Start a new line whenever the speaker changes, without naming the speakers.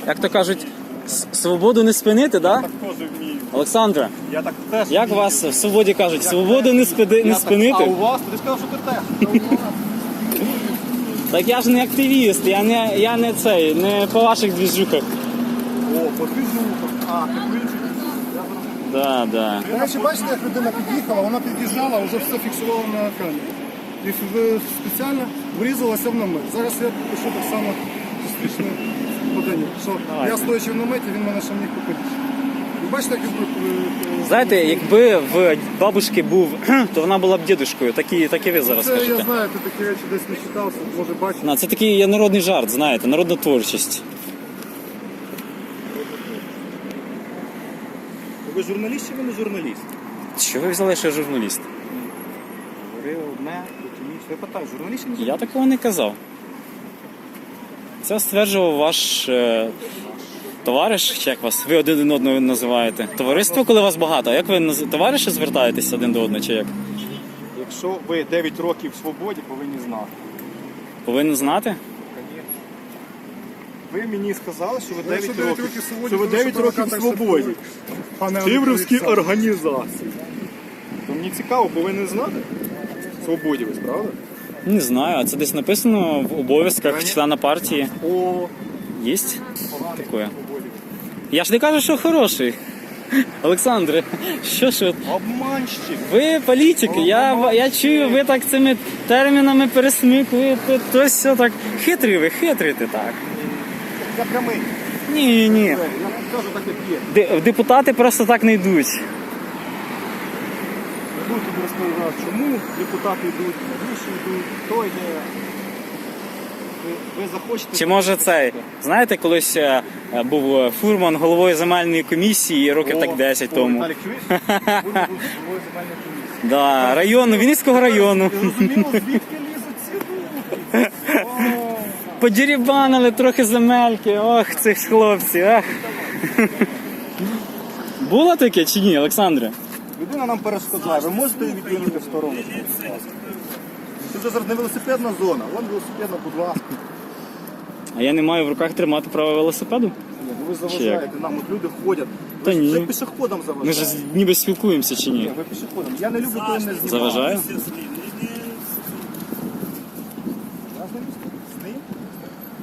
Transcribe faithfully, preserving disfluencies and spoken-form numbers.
як то кажуть, с- свободу не спинити, да?
Так теж вмію.
Олександре,
Я так теж
як
вмію.
вас в свободі кажуть, свободу не, спиди, не
Я так- А
спинити?
у вас? Ти сказав, що ти теж.
Так я ж не активіст, я не, я не цей, не по ваших двіжухах.
О, по движухах. А, так ви інші. Я зрозумів.
Да, да.
До речі, бачите, як людина під'їхала, вона під'їжджала, вже все фіксувала на екрані. І в- спеціально врізалася в намет. Зараз я пишу так само зустрічне подання, що
Давайте.
я стоячи в наметі, він мене ще міг купити. Ви бачите, як він...
Знаєте, якби в бабушки був, то вона була б дідушкою, так і, так і ви зараз
Це я
кажете.
знаю, ти такі речі десь не читався, може бачити.
На, це такий є народний жарт, знаєте, народна творчість.
Ви журналіст чи ви не журналіст?
Що ви взяли, що я журналіст?
Говорив одне, потім інше. Я питаю, журналіст чи не
Я
журналіст?
такого не казав. Це стверджував ваш е, товариш, чи як вас? Ви один одного називаєте. Товариство, коли вас багато. А як ви наз- товариші звертаєтесь один до одного, чи як?
Якщо ви дев'ять років в свободі, повинні знати.
Повинен знати?
Ви мені сказали, що ви
Ну, якщо
дев'ять
дев'ять
років,
років в свободі,
що ви
то
дев'ять
що
років в
провокатор
свободі.
слідкує? Пане
Тиврівські
Олександр.
організації. То мені цікаво, повинен знати. В свободі ви, правда?
Не знаю, а це десь написано в обов'язках члена партії.
О,
Єсть таке. Я ж не кажу, що хороший. Олександре, що ж ви?
обманщик.
Ви політик, я, я чую, ви так цими термінами пересмикуєте, то все так хитрі ви, хитрите так.
Я прямий.
Ні, ні.
Я вам кажу так, як є.
Де- Депутати просто так не йдуть.
Не буду тобі розповідати, чому депутати йдуть, навіщо йдуть, хто йде. Ви, ви захочете...
Чи може цей, знаєте, колись е, був фурман головою земельної комісії років
О,
так десять
о,
тому.
Віталік, чуєш? Буду головою земельної комісії.
Да, району, Вінницького району.
Зрозуміло, звідки лізуть ці думки? О,
Подірібанили трохи земельки, ох, цих хлопців, ах. Було таке чи ні, Олександре?
людина нам перешкоджає. Ви можете її відвинути в сторону? будь ласка? Це вже зараз не велосипедна зона. Вон велосипедна, будь ласка.
А я не маю в руках тримати право велосипеду?
Ні, ну ви заважаєте нам, от люди ходять.
Та
Ви ж-
ні.
Ви пішоходам
Ми ж
заважаєте.
ніби спілкуємося чи
Ні,
ні?
ви пішоходом. Я не люблю, коли мене знімають.
Заважаю?